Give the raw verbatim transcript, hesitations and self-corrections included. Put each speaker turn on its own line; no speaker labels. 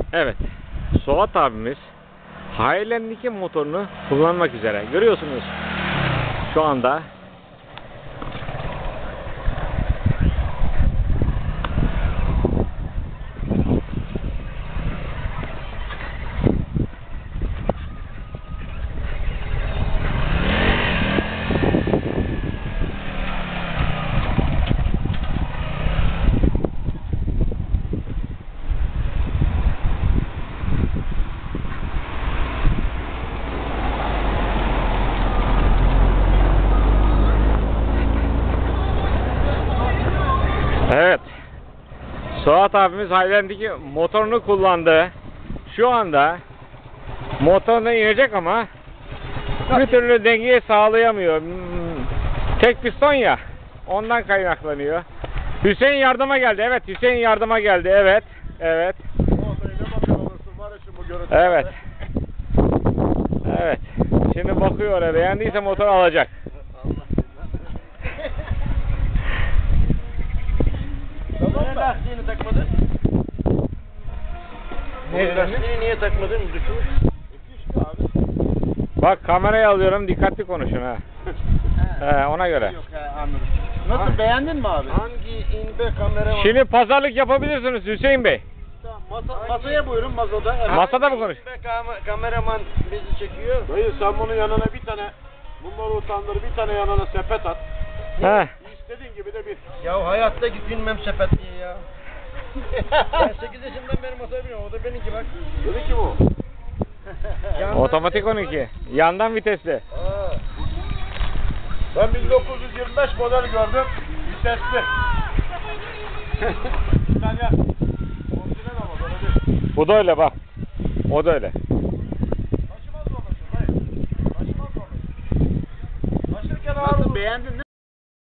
Evet. Suat abimiz Highland'deki motorunu kullanmak üzere. Görüyorsunuz şu anda. Evet. Suat abimiz Highland'deki motorunu kullandı. Şu anda motoruna inecek ama bir türlü dengeyi sağlayamıyor. Hmm, Tek piston ya. Ondan kaynaklanıyor. Hüseyin yardıma geldi. Evet, Hüseyin yardıma geldi. Evet. Evet. Evet. Evet. Şimdi bakıyor oraya. Beğendiyse motor alacak.
Niye lastiğini takmadın?
Ne
Lastiğini niye takmadın? Düşmüş.
Bak kamerayı alıyorum. Dikkatli konuşun ha. He, ona göre.
Yok he, anladım. Nasıl, beğendin mi abi? Hangi inbe kamera var?
Şimdi pazarlık yapabilirsiniz Hüseyin Bey.
Tamam, masa, masaya buyurun, masada. Evet.
Masada mı konuş?
İnbe kam- kameraman bizi çekiyor.
Dayı sen bunun yanına bir tane, bunları utandır, bir tane yanına sepet at.
He.
İstediğin gibi de bir.
Ya hayatta binmem sepet diye ya. Ben sekiz yaşından beri masaya biniyorum. O da benimki bak.
Dedi ki bu.
Yandan
Otomatik
vites var.
on iki. Yandan vitesli.
Ha. Ben bin dokuz yüz yirmi beş model gördüm. Vitesli. İtalyan. Orijinal ama böyle değil.
Bu da öyle bak. O da öyle.
Taşımaz mı olursun dayı? Taşımaz mı olursun? Taşırken ağır
Nasıl,
olur.
beğendin mi?